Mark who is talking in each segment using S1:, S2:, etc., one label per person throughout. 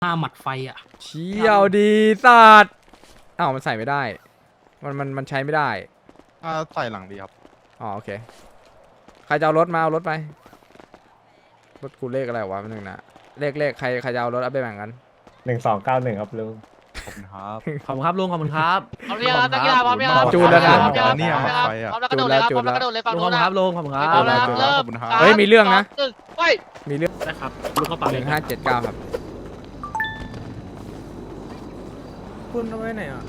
S1: หมัดไฟอ่ะ
S2: เชี่ยวดีสัตว์อ้าวมันใส่ไม่ได้มันใช้ไม่ได้
S3: ใส่หลังดีครับ
S2: อ๋อโอเคใครจะเอารถมาเอารถไปรถกูเลขอะไรวะนึงนะเลขใครจะเอารถเอาไปแบ่งกัน
S4: 1291ครับลุง
S3: ขอบคุณครับ
S5: ขอบคุณครับลุงขอบคุณครับ
S6: พร้อมยังนักกีฬาพร้อมยัง
S2: จูนแล้วนะ
S6: พร้อมยัง
S3: เนี่ยหมัดไฟอะ
S6: พร้อมแล้วกระโดดเลยครับพร้อมแล้วกระโดดเลยฝั่ง
S5: ลุงข
S6: นู้
S5: อบ
S6: น
S5: คุณ
S6: นะครับ
S5: ลุงขอบคุณครับ
S6: พร้อมแล้ว
S3: จูน
S6: เริ่
S3: ข
S6: ม
S3: อบคุณครับ
S2: เฮ้ยมีเรื่องนะ
S6: 3 2 1ไป
S2: มีเรื่อง
S1: ได้ครับลูกเข้าปากเลยครับ
S2: 1579ครับ
S5: คุณเอาไว้ไหนอ่ะ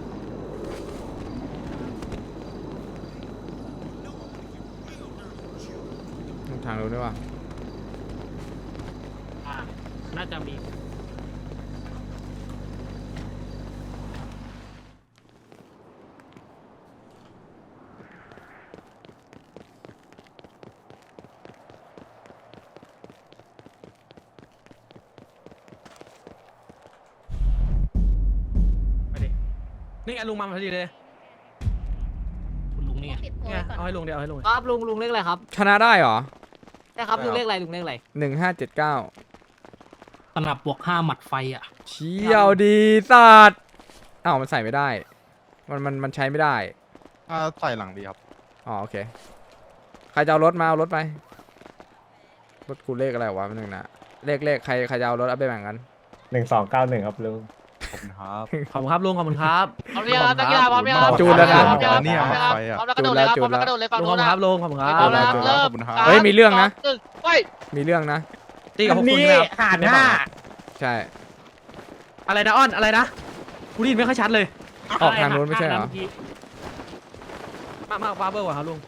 S2: ทางรู้ด้วยว่า
S1: น่าจะมี
S5: ไปดินี่ไงลุงมาพอดีเลย
S1: คุณลุงนี่ไง
S5: ไงเอาให้ลุงเดี๋ยวเอาให้ลุง
S6: ครับลุงเลขอะไรครับ
S2: ชนะได้เหรอ
S6: ใช่ครับลุงเลขอะไรลุงเลขอะไร
S2: 1579
S1: สนับบวก5หมัดไฟอ่ะ
S2: เชี่ยวดีสัตว์อ้าวมันใส่ไม่ได้มันใช้ไม่ได้
S3: ใส่หลังดีครับ
S2: อ๋อโอเคใครจะเอารถมาเอารถไปรถกูเลขอะไรวะนึงนะเลขใครจะเอารถเอาไปแบ่งกัน
S4: 1291ครับลุง
S3: ขอบคุณครับ
S5: ขอบคุณครับลุงขอบคุณครับ
S6: พร้อมยังนักกีฬาพร้อมยัง
S2: จูนแล้วนะ
S6: พร้อมยัง
S3: เนี่ยหมัดไฟอะ
S6: พร้อมแล้วกระโดดเลยครับพร้อมแล้วกระโดดเลยฝั่ง
S5: ลุงขอ
S6: นู้
S5: บ
S6: น
S5: คุณ
S6: นะครับ
S5: ลุงขอบคุณครั
S6: พร้อม
S5: บ
S6: แล้วเริ่ม
S3: ขอบคุณครับ
S2: เฮ้ยมีเรื่องนะ
S6: 3 2 1ไป
S2: มีเรื่องนะ
S5: ตีกับพวกคุณนะครับ
S4: หารห้า
S2: ใช่
S5: อะไรนะอ้อนอะไรนะกูได้ยินไม่ค่อยชัดเลย
S2: ออกทางนู้นไม่ใช่เหรอ
S5: มากบาร์เบอร์ว่ะครับลุง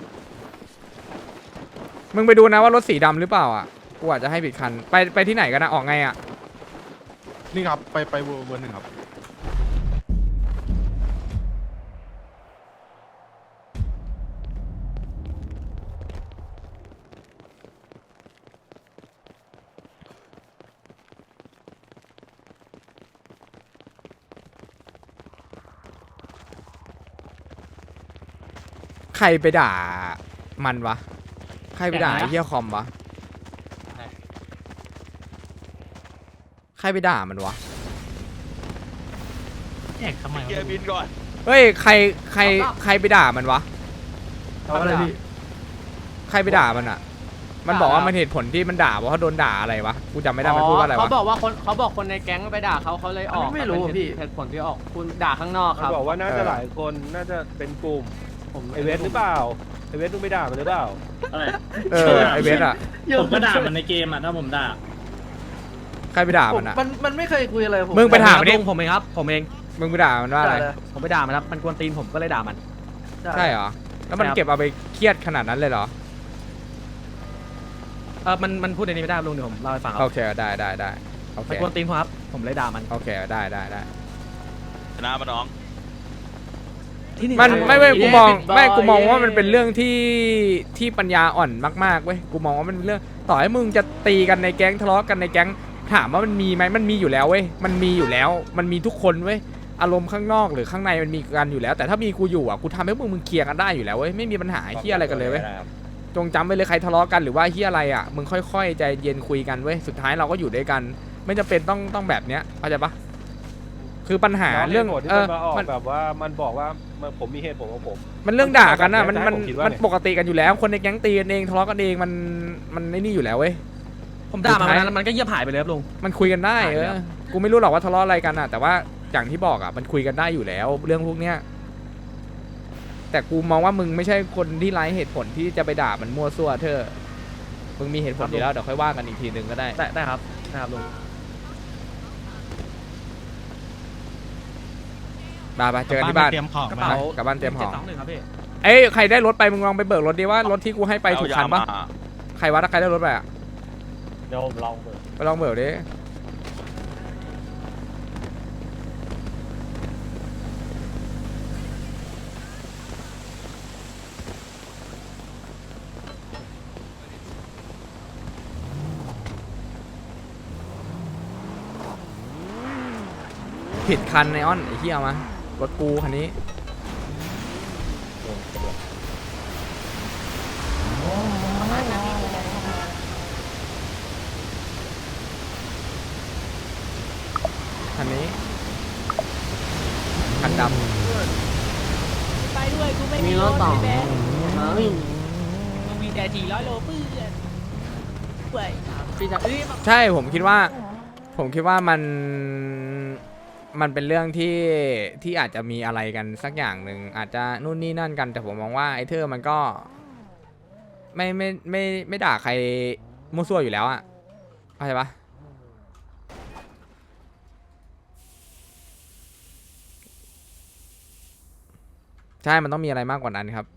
S2: มึงไปดูนะว่ารถสีดำหรือเปล่าอ่ะกูอาจจะให้ผิดคันไปที่ไหนกันนะออกไงอ่ะ
S3: นี่ครับไปเวอร์หนึ่งครับ
S2: ใครไปด่ามันวะใครไปด่าไอ้เหี้ยคอมวะใครไปด่ามันวะ
S1: แยกทำไมวะ
S3: เกียร์บินก่อน
S2: เฮ้ยใครไปด่ามันวะ
S5: เอาอะไรพี่
S2: ใครไปด่ามันอ่ะ มันบอกว่ามันเหตุผลที่มันด่าเพราะเขาโดนด่าอะไรวะกูจำไม่ได้มันพูดว่าอะไร
S6: เขา
S2: วะ
S6: บอกว่าคนในแก๊งไปด่าเขาเลยออก
S5: ไม่รู้พี่
S6: เหตุผลที่ออกคุณด่าข้างนอกครับ
S7: บอกว่าน่าจะหลายคนน่าจะเป็นกลุ่มไอเวสหรือเปล่าไอเวสต้องไปด่ามันหรือเปล่า
S1: อะไร
S2: ไอเวสอ่ะ
S1: ผมก็ด่ามันในเกมอ่ะถ้าผมด่า
S2: ใครไปด่ามันอ่ะ
S5: มันไม่เคยคุยอะไรผม
S2: มึงไปถามมันดิ
S5: ผมเองครับผมเอง
S2: มึงไปด่ามันว่าอะไร
S5: ผมไปด่ามันครับมันกวนตีนผมก็เลยด่ามัน
S2: ใช่เหรอแล้วมัน
S5: ใช่ครับ
S2: เก็บเอาไปเครียดขนาดนั้นเลยเหรอ
S5: มันพูดในนี้ไม่ได้ลุงเดี๋ยวผมเล่าให้ฟังครั
S2: โอเคได้โอเค
S5: มันกวนตีนผมครับผมเลยด่ามัน
S2: โอเคได้
S3: ชนะมาน้อง
S5: ที่นี่
S2: มันไม่กูมอง
S6: Big Boy
S2: ไม่กูมองว่ามันเป็นเรื่องที่ปัญญาอ่อนมากๆเว้ยกูมองว่ามันเป็นเรื่องต่อให้มึงจะตีกันในแก๊งทะเลาะกันในแก๊งถามว่ามันมีไหมมันมีอยู่แล้วเว้ยมันมีอยู่แล้วมันมีทุกคนเว้ยอารมณ์ข้างนอกหรือข้างในมันมีกันอยู่แล้ว แต่ถ้ามีกูอยู่อ่ะกูทำให้มึงเคลียร์กันได้อยู่แล้วเว้ยไม่มีปัญหาเฮียอะไรกันเลยเว้ยจงจำไว้เลยใครทะเลาะกันหรือว่าเฮียอะไรอ่ะมึงค่อยๆใจเย็นคุยกันเว้ยสุดท้ายเราก็อยู่ด้วยกัน ไม่จำเป็นต้องแบบเนี้ยเข้าใจปะคือปัญหาเรื่อง
S7: ผลที่มันมาออกแบบว่ามันบอกว่าผมมีเหตุผลของผม
S2: มันเรื่องด่ากันนะมัน
S7: ผมคิดว่าเนี่ย
S2: ปกติกันอยู่แล้ว คนในแก๊งตีกันเองทะเลาะกันเองมันไอ้นี่อยู่แล้วเว้ย
S5: ผมด่ามันแล้วมันก็เงียบหายไปเลยครับลุง
S2: มันคุยกันได้
S5: หายแล้ว
S2: กูไม่รู้หรอกว่าทะเลาะอะไรกันอ่ะแต่ว่าอย่างที่บอกอ่ะมันคุยกันได้อยู่แล้ว เรื่องพวกเนี้ยแต่กูมองว่ามึงไม่ใช่คนที่ไร้เหตุผลที่จะไปด่ามันมั่วซั่วเธอมึงมีเหตุผลอยู่แล้วเดี๋ยวค่อยว่ากันอีกทีนึงก็ได้
S5: ได้ครับได้ครับลุง
S2: ไปเจอกันที่บ้าน
S1: เตรียมของ
S5: กระ
S1: มา
S5: เป๋าก
S2: ลับบ้านเตรียมของ
S5: 721ครับพี่
S2: เอ้ยใครได้รถไปมึงลองไปเบิกรถดิว่ารถที่กูให้ไปถูกคันปะใครวะถ้าใครได้รถไปอ่ะ
S4: เดี๋ยวผมลองเปิด
S2: ไปลองเบิกดิผิดคันไอออนไอ้เหี้ยมารถกูคันนี้คันนี้คันด
S8: ไปด้วยกูไม่
S6: มีรถต่อ
S8: แบง
S6: เฮ้ย
S8: กูมีแต่400 โลเพื่อนเว้ย
S6: พี่จะเอ้ย
S2: ำใช่ผมคิดว่ามันเป็นเรื่องที่อาจจะมีอะไรกันสักอย่างหนึ่งอาจจะนู่นนี่นั่นกันแต่ผมมองว่าไอ้เธอมันก็ไม่ด่าใครมั่วซั่วอยู่แล้วอะเข้าใจปะใช่มันต้องมีอะไรมากกว่านั้นครับ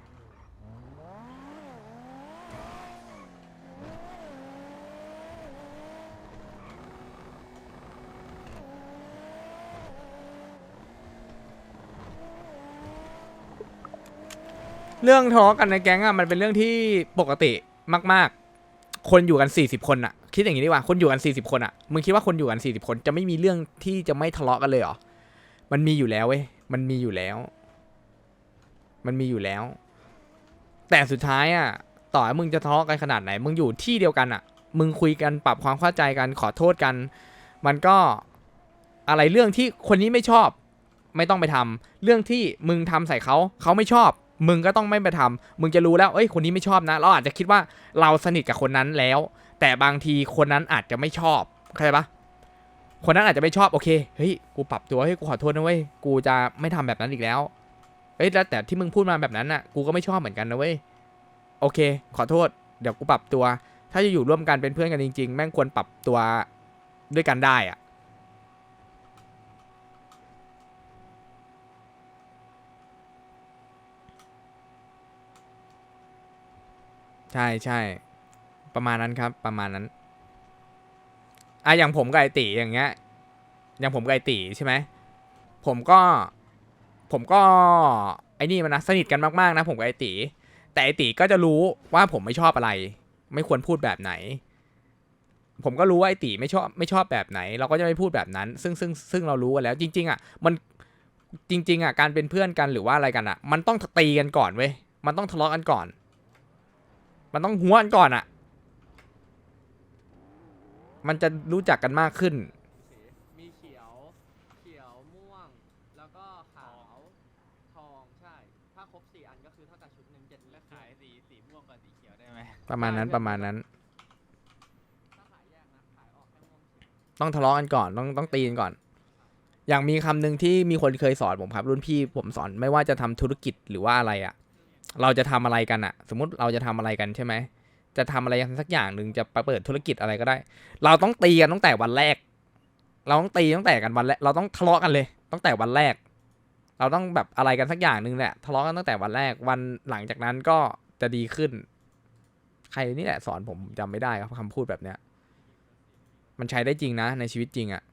S2: เรื่องทะเลาะกันในแก๊งอะมันเป็นเรื่องที่ปกติมากๆคนอยู่กัน40คนอะคิดอย่างนี้ดีกว่าคนอยู่กัน40คนอะมึงคิดว่าคนอยู่กัน40คนจะไม่มีเรื่องที่จะไม่ทะเลาะกันเลยเหรอมันมีอยู่แล้วเว้ยมันมีอยู่แล้วแต่สุดท้ายอะต่อให้มึงจะทะเลาะกันขนาดไหนมึงอยู่ที่เดียวกันอะมึงคุยกันปรับความเข้าใจกันขอโทษกัน มันก็อะไรเรื่องที่คนนี้ไม่ชอบไม่ต้องไปทำเรื่องที่มึงทำใส่เขาไม่ชอบมึงก็ต้องไม่ไปทำมึงจะรู้แล้วเอ้ยคนนี้ไม่ชอบนะเราอาจจะคิดว่าเราสนิทกับคนนั้นแล้ว แต่บางทีคนนั้นอาจจะไม่ชอบเข้าใจปะคนนั้นอาจจะไม่ชอบโอเคเฮ้ยกูปรับตัวเฮ้ยกูขอโทษนะเว้ยกูจะไม่ทำแบบนั้นอีกแล้วเอ้ยแล้วแต่ที่มึงพูดมาแบบนั้นน่ะกูก็ไม่ชอบเหมือนกันนะเว้ยโอเคขอโทษเดี๋ยวกูปรับตัวถ้าจะอยู่ร่วมกันเป็นเพื่อนกันจริงๆแม่งควรปรับตัวด้วยกันได้อะใช่ประมาณนั้นครับประมาณนั้นอย่างผมกับไอตีอย่างเงี้ยอย่างผมกับไอตีใช่ไหมผมก็ไอ้นี่มันนะสนิทกันมากๆนะผมกับไอตีแต่ไอตีก็จะรู้ว่าผมไม่ชอบอะไรไม่ควรพูดแบบไหนผมก็รู้ว่าไอตีไม่ชอบแบบไหนเราก็จะไม่พูดแบบนั้นซึ่งเรารู้กันแล้วจริงๆอ่ะมันจริงๆอ่ะการเป็นเพื่อนกันหรือว่าอะไรกันอ่ะมันต้องตีกันก่อนเว้ยมันต้องทะเลาะกันก่อนมันต้องหัวกันก่อนอ่ะมันจะรู้จักกันมากขึ้น
S6: มีเขียวม่วงแล้วก็ขาวทองใช่ถ้าครบ4 อันก็คือเท่ากับชุดหนึ่ง7แล้วขายสีม่วงกับสีเขียวได้ไหม
S2: ประมาณนั้น
S6: ถ้าขายแยกนะขายออกแค่ม่วงเขียว
S2: ต้องทะเลาะกันก่อนต้องตีกันก่อน อย่างมีคำหนึ่งที่มีคนเคยสอนผมครับรุ่นพี่ผมสอนไม่ว่าจะทำธุรกิจหรือว่าอะไรอ่ะเราจะทำอะไรกันอ่ะสมมุติเราจะทำอะไรกันใช่ไหมจะทำอะไรสักอย่างหนึ่งจะเปิดธุรกิจอะไรก็ได้เราต้องตีกันตั้งแต่วันแรกเราต้องตีตั้งแต่กันวันแรกเราต้องทะเลาะกันเลยตั้งแต่วันแรกเราต้องแบบอะไรกันสักอย่างหนึ่งแหละทะเลาะกันตั้งแต่วันแรกวันหลังจากนั้นก็จะดีขึ้นใครนี่แหละสอนผมจำไม่ได้ครับคำพูดแบบเนี้ยมันใช้ได้จริงนะในชีวิตจริงอ่ะ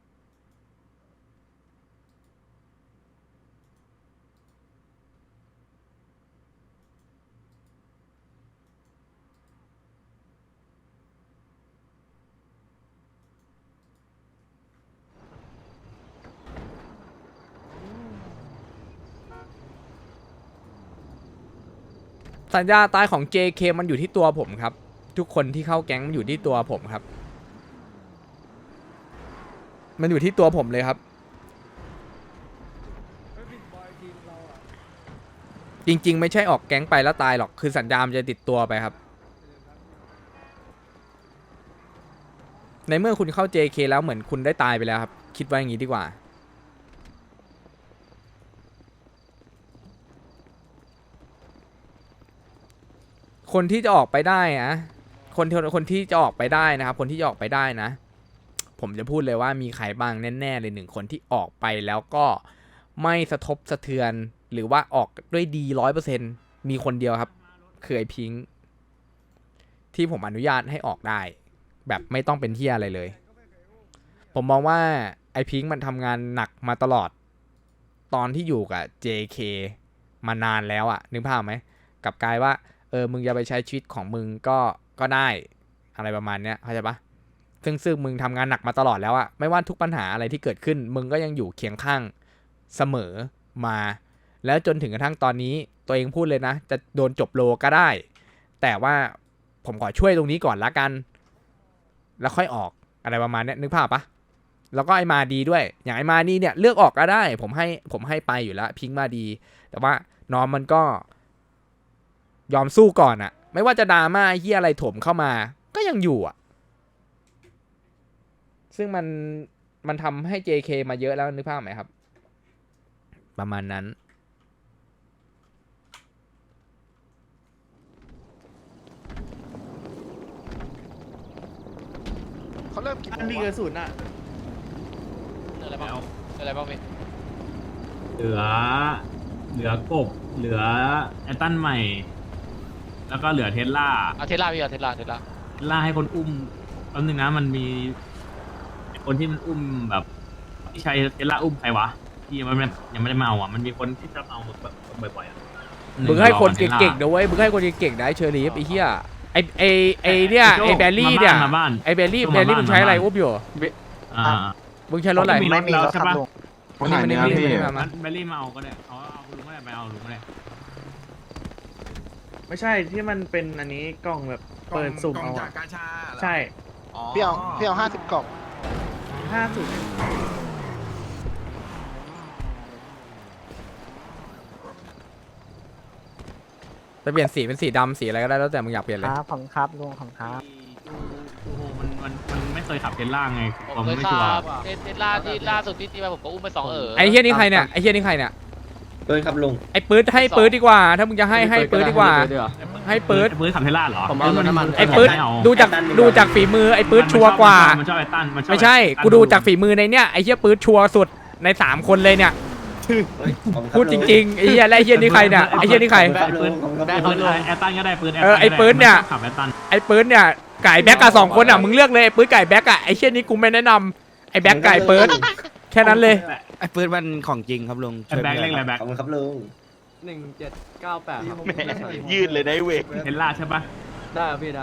S2: สัญญาตายของ JK มันอยู่ที่ตัวผมครับทุกคนที่เข้าแก๊งมันอยู่ที่ตัวผมครับมันอยู่ที่ตัวผมเลยครับจริงๆไม่ใช่ออกแก๊งไปแล้วตายหรอกคือสัญญามันจะติดตัวไปครับในเมื่อคุณเข้า JK แล้วเหมือนคุณได้ตายไปแล้วครับคิดว่าอย่างนี้ดีกว่าคนที่จะออกไปได้นะคนที่จะออกไปได้นะครับคนที่จะออกไปได้นะผมจะพูดเลยว่ามีใครบ้างแน่ๆเลย1 คนที่ออกไปแล้วก็ไม่สะทบสะเทือนหรือว่าออกด้วยดี100%มีคนเดียวครับคือไอพิงค์ที่ผมอนุญาตให้ออกได้แบบไม่ต้องเป็นเหี้ยอะไรเลยผมมองว่าไอพิงค์มันทำงานหนักมาตลอดตอนที่อยู่กับ JK มานานแล้วอะนึกภาพไหมกลับกลายว่ามึงจะไปใช้ชีวิตของมึงก็ได้อะไรประมาณเนี้ยเข้าใจปะซึ่งมึงทำงานหนักมาตลอดแล้วอะไม่ว่าทุกปัญหาอะไรที่เกิดขึ้นมึงก็ยังอยู่เคียงข้างเสมอมาแล้วจนถึงกระทั่งตอนนี้ตัวเองพูดเลยนะจะโดนจบโลก็ได้แต่ว่าผมขอช่วยตรงนี้ก่อนละกันแล้วค่อยออกอะไรประมาณเนี้ยนึกภาพปะแล้วก็ไอมาดีด้วยอย่างไอมาดีเนี่ยเลือกออกก็ได้ผมให้ไปอยู่แล้วพิงค์มาดี แต่ว่าน้องมันก็ยอมสู้ก่อนอะไม่ว่าจะดราม่าไอ้เหี้ยอะไรถมเข้ามาก็ยังอยู่อะซึ่งมันทำให้ JK มาเยอะแล้วนึกภาพไหมครับ ประมาณนั้น
S3: เขาเริ่มกี่โมง
S5: มี
S3: วะ
S5: กระสุนอ่ะ
S8: อะไรบ้างอะไรบ้างพี่
S1: เหลือกบเหลือแอตตันใหม่ แล้วก็เหลือเทสลา
S8: เอาเทสลาพี่เอาเทสลา
S1: ล่าให้คนอุ้มแป๊บนึงนะมันมีคนที่มันอุ้มแบบที่ใช้เทสลาอุ้มใครวะที่ยังไม่ได้มาเอาอ่ะมันมีคนที่ชอบเอาบ่อยๆอ่ะ
S2: มึงให้คนเก่งๆนะเว้ยมึงให้คนเก่งๆนะไอ้เชอรี่ไอ้เหี้ยไอเนี่ยไอแบลลี่เนี่ย
S1: มาบ้าน
S2: ไอแบลลี่มึงใช้อะไรอุ้มอยู่
S1: อ่า
S2: มึงใช้รถอะไร
S1: ไม่มีรถแล้วใช่ปะ
S3: คนไหนเนี่ยพี่
S2: มา
S1: แบลลี่มาเอาก็ได้เอาลุงก็ได้ไปเอาลุงก็ได้
S5: ไม่ใช่ที่มันเป็นอันนี้กล่องแบบเปิดสุ่มเอาอะใช่
S3: พี่เอา50 กล่อง
S5: 50
S2: จะเปลี่ยนสีเป็นสีดำสีอะไรก็ได้แล้วแต่มึงอยากเปลี่ยนเลย
S6: ครับผมครับลุงผมครับ
S1: โอ้โหมันไม่เคยขับเทสลาไง
S8: ผมเคย
S1: ไม่
S8: ขั
S1: ชัวร์
S8: บเทสลาที่ล่าสุดที่มาผมก็อุ้มไป2
S2: ไอ้เหี้ยนี่ใครเนี่ยไอ้เหี้ยนี่ใครเนี่ย
S4: เดินครับลุง
S2: ไอ้ปื๊ดให้ปื๊ดดีกว่า ถ้ามึงจะให้ปื๊ดดีกว่า ให้ปื๊ด
S1: ปื๊ดขับเทสลาเหรอ
S5: ผมเอารถน้ำมัน
S2: ไอ้ปื๊ด
S1: ม่เอา
S2: ดูจากฝีมือไอ้ปื๊ดชัวร์กว่า
S1: มันชอบไอ้ตั้นมันชอบ
S2: ไม่ใช่กูดูจากฝีมือในเนี่ยไอ้เหี้ยปื๊ดชัวร์สุดใน3คนเลยเนี่ยพูดจริงๆไอ้เหี้ยและไอ้เหี้ยนี่ใครเนี่ยไอ้เหี้ยนี่ใคร
S1: ปื๊ดไอ้ตั้นก็ได้ปื๊ด
S2: ไอ้ปื๊ดเนี่ย
S1: ขับไอ้ตั้น
S2: ไอ้ปื๊ดเนี่ยไก่แบ็กกับ2 คนอ่ะมึงเลือกเลยไอ้ปื๊ดไก่แบ็กอ่ะไอ้เชี่ยนี้กูไม่แนะนำไอ้แบ็กไก่ปื๊ดแค่นั้นเลย
S6: ไอ้ปืนมันของจริงครับลุง
S1: ไอ้แบ็คเล่นอะไรแบ็ค
S4: ขอบคุณครับลุง
S6: 1798ครับ
S3: ยืดเลยนะเวก
S1: เทสลาใช่ปะ
S6: ได้ครับพี่ได้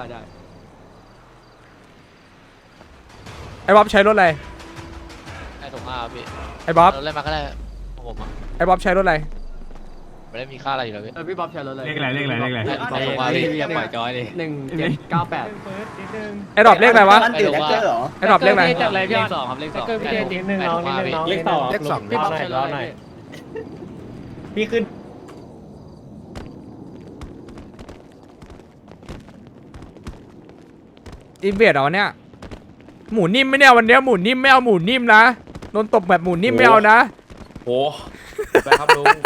S2: ไอ้บ๊อบใช้รถอะไร
S8: ไอ้ถุงพี่
S2: ไอ้บ๊อบ
S8: เราเล่นมาก็ได้ของผมอ่ะ
S2: ไอ้บ๊อบใช้รถอะไร
S8: ไม่ได้มีค่าอะไรอยู่แล้วพี่
S6: พี่บ๊อบใช้รถเลย
S1: เลขอะไร
S8: ของผมพี่
S6: อย่าปล่อยจอยดิ1798
S2: ไอ้ดรอปเลขอะไรวะ
S8: ไอ้ถุง
S2: ไอ้ดรอปเลขอะไร
S8: จากอะไรพี่2ครับเลข2
S5: นิดนึงน้องนิดนึงน้อง
S4: เลขต่อ
S5: เลขสอง
S6: พี่บ๊อบใช้รถอะไร
S4: พี่ขึ้น
S2: อินเวดเหรอเนี่ยหมูนิ่มไหมเนี่ยวันเนี้ยหมูนิ่มไม่เอาหมูนิ่มนะโดนตบแบบหมูนิ่มไม่เอานะ
S7: โอ้ไปครับลุง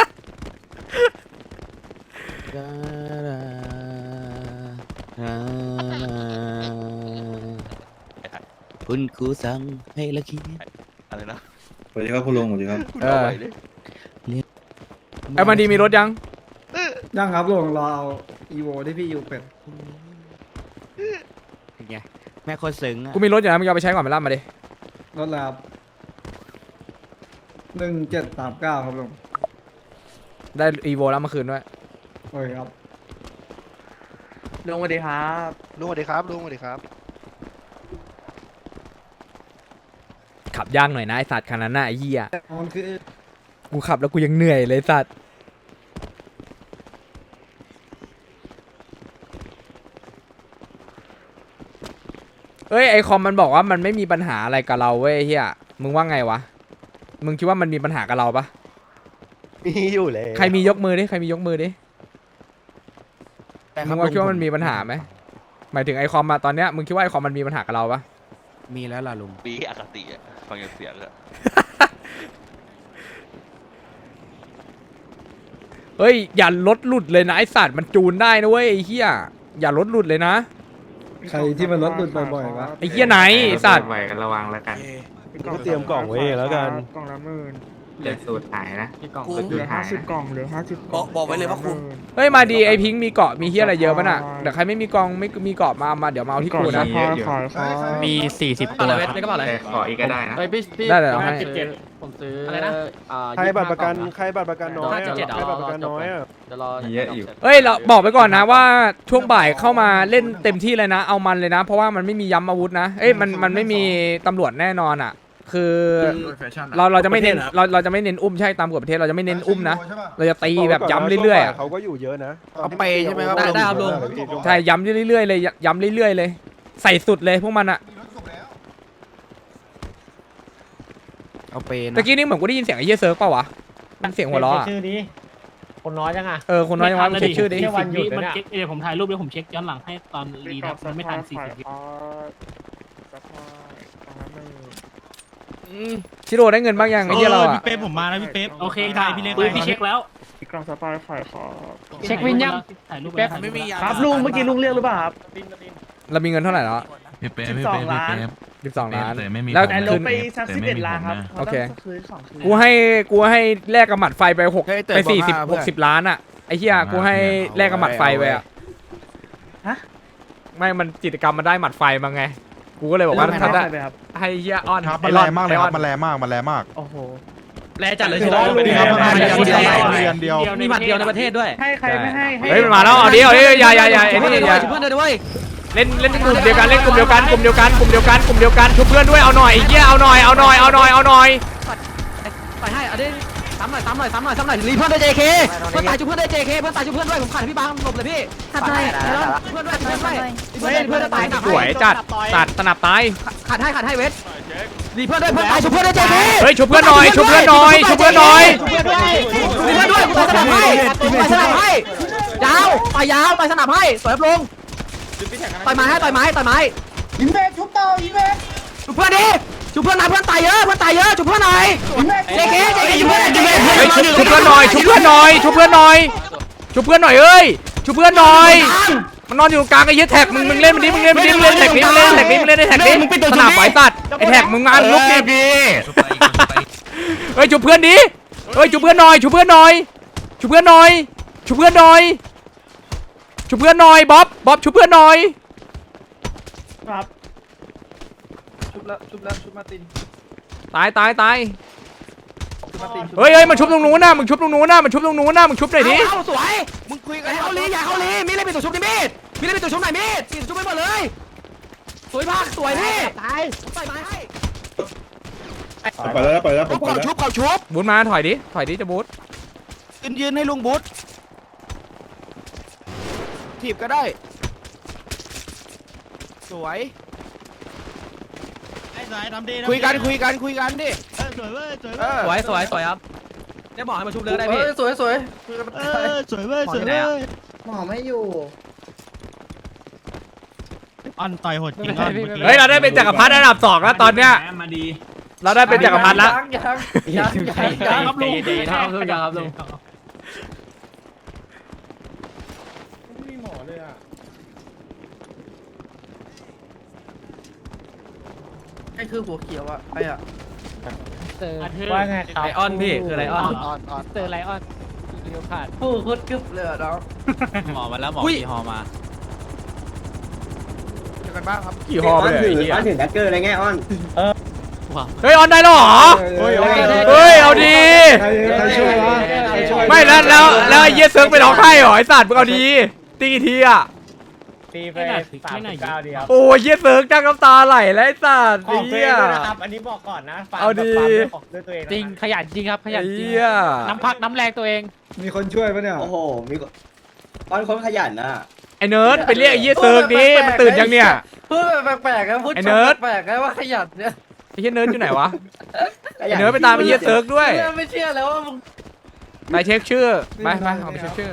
S6: คุณครูสั่งให้ละคิด
S3: อะไรนะ
S4: สวัสดีครับคุณลุงสวัสดีครับ
S2: เออไอ้มันดีมีรถยัง
S9: ยังครับลุงรอเอาอีโวที่พี่อยู่เป็ด
S6: ไงแม่คนซึ้งอ่ะ
S2: กูมีรถอยู่นะมึงเอาไปใช้ก่อนไปล่ำมาดิ
S9: รถแล้ว1739ครับลุง
S2: ได้อีโวแล้วเมื่อคืนด้วย
S9: โอ้ยครับ
S5: ลุงสวัสดีครับ
S3: ลุงสวัสดีครับลุงสวัสดีครับ
S2: ขับยากหน่อยนะไอสัตว์คันนั้นน่ะไอ้เหี้ย
S9: มันคือ
S2: กูขับแล้วกูยังเหนื่อยเลยสัตว์เอ้ยไอคอมมันบอกว่ามันไม่มีปัญหาอะไรกับเราเว้ยเฮียมึงว่าไงวะมึงคิดว่ามันมีปัญหากับเราปะ
S3: มีอยู่เลย
S2: ใครมียกมือดิใครมียกมือดิมึงว่าคิดว่ามันมีปัญหาไหมหมายถึงไอคอมมาตอนเนี้ยมึงคิดว่าไอคอมมันมีปัญหากับเราปะ
S6: มีแล้วล่ะลุง
S3: ปีอคติอ่ะฟังเสียงอะ
S2: เฮ้ยอย่าลดหลุดเลยนะไอสัตว์มันจูนได้นะเว้ยไอเฮียอย่าลดหลุดเลยนะ
S9: ใครที่มันรถหลุดบ่อยๆวะ
S2: ไอเฮียไหนไอสัตว์
S7: ก็เตรียมกล่องไว้แล้วกัน
S9: กล่องละหมื่น
S6: เหลือสูตรหายนะ
S9: เหลือ50 กล่องเหลือ50 กล่อง
S6: บอกไว้เลยว่าคุ้ม
S2: เฮ้ยมาดีไอพิงค์มีเกาะมีเฮียอะไรเยอะป่ะน่ะเดี๋ยวใครไม่มีกองไม่มีเกาะมาเดี๋ยวมาเอาที่กูนะ
S6: มี40 ตัวครับ
S5: แล้วก็อะไร
S6: ขออีกก็ได้นะ
S2: ได้เลยเอาให้
S6: ผมซื้อ
S5: อะไรนะ
S7: ใครบัตรประกันน้อยอะใครบัตรประกันน้อยอะ
S6: เดี๋ยวรอ
S4: เยอะอยู่
S2: เฮ้ยเราบอกไปก่อนนะว่าช่วงบ่ายเข้ามาเล่นเต็มที่เลยนะเอามันเลยนะ เพราะว่ามันไม่มีย้ำอาวุธนะเอ้ยมันไม่มีตำรวจแน่นอนอ่ะคือเราจะไม่เน้นเราจะไม่เน้นอุ้มใช่ตามกฎประเทศเราจะไม่เน้นอุ้มนะเราจะตีแบบย้ำเรื่อยๆอะ
S7: เขาก็อยู่เยอะนะ
S3: เอาไปใช่ไหมครับ
S5: ได้ครับลุง
S2: ใช่ย้ำเรื่อยๆเลยย้ำเรื่อยๆเลยใส่สุดเลยพวกมันอะ
S5: เอาเปนะ
S2: ตะกี้นี่เหมือนกูได้ยินเสียงไอ้เหี้ยเซิร์ฟเปล่าวะมันเสียงหัวเราะอะ
S8: ชื่อนี้คนน้อยจังอ่ะ
S2: คนน้อยยังวะมึงเช็คชื่อดิ
S8: วันหยุดมันเช็คผมถ่ายรูปแล้วผมเช็คย้อนหลังให้ตอนรีดับมันไม่ทัน40 วิ
S2: ชิโร่ได้เงินบ้างยังไอ้เหี้ยเราอะ
S6: พี่เป๊ปผมมาแล้วพี่เป๊ปโอเคค่ะพี่เช็คแล้ว
S5: กล่องสปายขายของ
S8: เช็ควินยัง
S6: ถ่ายรูป
S8: แป๊บ
S6: ไม่มี
S5: ครับลุงเมื่อกี้ลุงเรียกหรือเปล่าครับ
S2: เรามีเงินเท่าไหร่แล้ว
S5: 12 ล้าน
S2: 12 ล้าน
S5: แล้
S2: แล้ว ว
S5: ล
S2: คื
S5: ง
S2: น
S5: ไปซัก11 ล้านครับ
S2: โอเค
S5: ขาต้องคืนของคืน
S2: กูให้แลกกับหมัดไฟไปไป40-60 ล้านอะไอ้เหี้ยกูให้แลกกับหมัดไฟไปอะ
S5: ฮะ
S2: ไม่มันกิจกรรมมันได้หมัดไฟมาไงกูก็เลยบอกว่า
S5: แล้ว
S2: ถ้าได้
S5: ไปครับ
S2: ให้เหี้ยออน
S3: ครับมันแรงมากเลยครับมันแรงมากมันแรงมาก
S5: โอ้โห
S8: แลจัดเลย
S5: ใช่ไหม
S3: นี่ครับมันเรียนเดียว
S8: มีหมัดเดียวในประเทศด้วย
S5: ให้ใครไม่ให้
S2: เฮ้ยมันมาแล้วเอาดิอย่าไอ้นี่อย่า
S8: เพื่อนด้วย
S2: เล่นกลุ่มเดียวกันชุบเพื่อนด้วยเอาหน่อยไอ้เหี้ยเอาหน่อย
S8: ไปให้เอาดิซ้ำหน่อยรีเพื่อนด้วย JK เพื่อนตายจุเพื่อนด้วย JK เพื่อนตายจุเพื่อนด้วยผมขาดพี่บางหลบเลยพี่ขัดให้เพื่อนด้วยเพื่อนตาย
S2: สวยจัดสนับตาย
S8: ขัดให้เวทรีเพื่อนด้วยเพื่อนตายจุเพื่อนด้วย JK
S2: เฮ้ยชุบเพื่อนหน่อยรีเพื่อนด้วยกูตายสนับให้ยาวไปสนับให้สวยลงต่อยไม้ยิงเบสชุบต่อยิงเบสชุบเพื่อนดิชุบเพื่อนนะเพื่อนตายเยอะชุบเพื่อนหน่อยJKยิงเบสชุบเพื่อนหน่อยเอ้ยชุบเพื่อนหน่อยมันนอนอยู่กลางไอ้เหี้ยแท็กมึงเล่นมันดิมึงเล่นแท็กนี้มึงเล่นได้แท็กนี้สนับไฟตัดไอ้แท็กมึงงานลุกดิเฮ้ยชุบเพื่อนดิเฮ้ยชุบเพื่อนหน่อยบ๊อบชุบเพื่อนหน่อย
S5: ครับ
S9: ชุบมาติน
S2: ตาย
S9: ชุบมาติน
S2: เฮ้ยมาชุบตรงนู้นนะมึงชุบหน่อยดิ
S8: เอาสวยมึงคุยกันอย่าเข้าลีมีอะไรเป็นตัวชุบดิมีดมีอะไรเป็นตัวชุบไหนมีดชุบไปหมดเลยสวยมากสวยพี่ตายใส่ไม้ให้
S4: ไปแล้วผม
S8: เขาชุบ
S2: บูทมาถอยดิจะบูท
S8: ยืนให้ลุงบุ๊ทถีบก็ได้สวยคุยกันดิสวยครับได้บอกให้มาชุบเลยได้พี่
S9: สวย
S6: สวย
S9: หมอไม่อยู่
S6: ออนต่อยโหดจริง
S2: เฮ้ยเราได้เป็นจักรพรรดิอันดับ2แล้วตอนเนี้ย
S1: มาดี
S2: เราได้เป็นจักรพรรดิแล้ว
S6: ครับลุงครับลุง
S9: ไม่มีหมอเลยอ่ะไอ้คือหัวเขียวอ่ะไอ้อ่ะ
S8: ว่าไงครับไลออนพี่คือไลออน
S6: เจอไลออนเรียวขาด
S9: โอ้โคตรกึบเลยอ่ะน้อง
S6: หมอมาแล้วหมอกี่ฮอมา
S9: เจอกันบ้างครับ
S2: กี่หอไปเลย
S4: อ้อนถึงแดกเกอร์อะไรเงี้ยอ้อน
S2: เฮ้ยออนได้หรอเฮ้ยเอาดี
S9: ใครช่วยวะใครช่วย
S2: ไม่แล้วไอ้เหี้ยเซิร์ฟไปร้องไห้เหรอไอ้สัตว์มึงเอาดีตีกี่ทีอ่ะ
S8: ตีไป39ดีครับ
S2: โอ้ยเหี้ยเซิร์ฟจ้างน้ำตาไหลแล้วไอ้สัตว์
S8: ของตัว
S2: เหี้
S8: เอย งด้วยนะครับอันนี้บอกก่อนนะ
S2: เอาดี
S8: ด้วยตัวเอง
S6: จริงขยันจริงครับขยันจริง
S2: เหี้ย
S6: น้ำพักน้ำแรงตัวเอง
S9: มีคนช่วยปะเนี่ย
S4: โอ้โหมีอ้อนคนขยันนะ
S2: ไอ้เนิร์ดไปเรียกไอ้เหี้ยเซิร์ฟดิมันตื่นยังเนี่ย
S9: พูดแปลกๆนะพูด
S2: ไอ้เนิร์ด
S9: แปลกๆนะว่าขยันเนี่ย
S2: ไอ้เหี้ยเนิร์ดอยู่ไหนวะไอ้เนิร์ดไปตามไอ้เหี้ยเซิร์ฟด้วย
S9: ไม่เชื่อแล้วว่ามึง
S2: ไปเช็คชื่อไปเอาไปเช็คชื่อ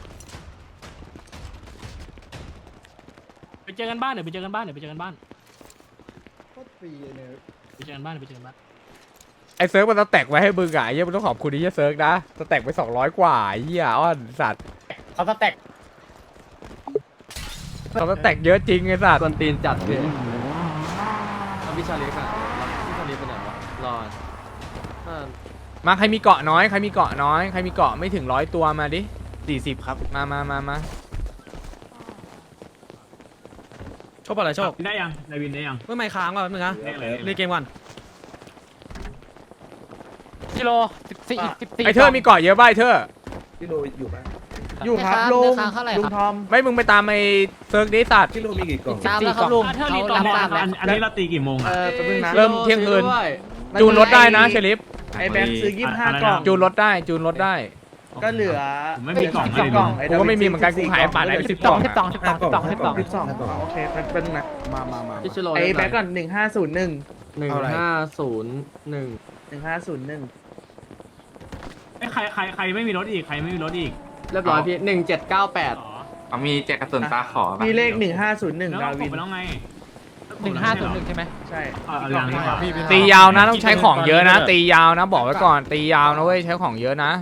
S6: ไปเจอกันบ้านเดี๋ยวไปเจอกันบ้าน
S9: โคตรฟรีเนี่ย
S6: ไปเจอกันบ้าน
S2: ไอ้เซิร์ฟมันสแต็กไว้ให้มึงอ่ะไอ้เหี้ยมึงต้องขอบคุณไอ้เหี้ยเซิร์ฟนะสแต็กไป200กว่าไอ้เหี้ยอ้อนสัตว์
S8: เขาสแต็ก
S2: เขาสแต็กเยอะจริงไอ้สัตว์
S6: กวนตีนจัดเลยพี่ชาลีค่ะพี่ชาลีไปไหนวะรอ
S2: มาใครมีเกาะน้อยใครมีเกาะไม่ถึง100ตัวมาดิ
S6: 40ครับ
S2: มา
S8: โชคอะไรโชค
S1: ได้ยังนายวินได้ยัง
S8: เมื่อไม่ค้างว่ะนึงนะ
S1: ได้เลย
S8: เล่นเกมก่อน
S6: กิโล14
S2: ไอ้เธอมีเกาะเยอะป่ะไอ้เธอ
S9: พี่โรอยู่ปะ
S5: อยู่ครับลุงลุงทอม
S2: ไม่มึงไปตามไอ้เซิร์ฟดิสัตว์
S4: พี่โรมีกี่กล่อง
S6: ตามแล้วครับลุงเท่านี้ตอนนี้
S1: อันนี้เราตีกี่โมง
S5: แป๊บนึงนะ
S2: เริ่มเที่ยงคืนจูนรถได้นะเชลิฟ
S5: ไอ้แบงค์ซื้อ25 กล่อง
S2: จูนรถได้
S5: ก็เหลือ
S1: ผมไม่มีกล่อง
S5: 12 กล่อง
S2: กูก็ไม่มีเหมือนกันกูขายป่านไหนไป10 กล่อง
S6: 12
S5: โอเคแป๊บนึงนะ
S9: มา
S6: พี่ชิโร่
S5: ไอ้แบงค์ก่อน1501
S6: 1501
S5: 1501
S1: ไอ้ใครไม่มีรถอีกใครไม่มีรถอีก
S6: เรียบร้อยพี่1798
S1: อ๋อ
S10: เขามีแจกกระสุนตาขอ
S5: มีเลข
S1: แล้ว
S5: 1501 ดา
S1: เรา
S5: วิน
S1: ไปแล้วไง
S6: 1501ใช่ไหม
S5: ใช่
S1: เอาอย่างนี้ครับ
S2: ตียาวนะต้องใช้ของเยอะนะ ตียาวนะบอกไว้ก่อนตียาวนะเว้ยใช้ของเยอะนะ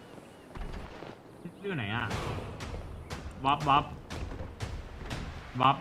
S1: อยู่ไหนอ่ะบ๊อบ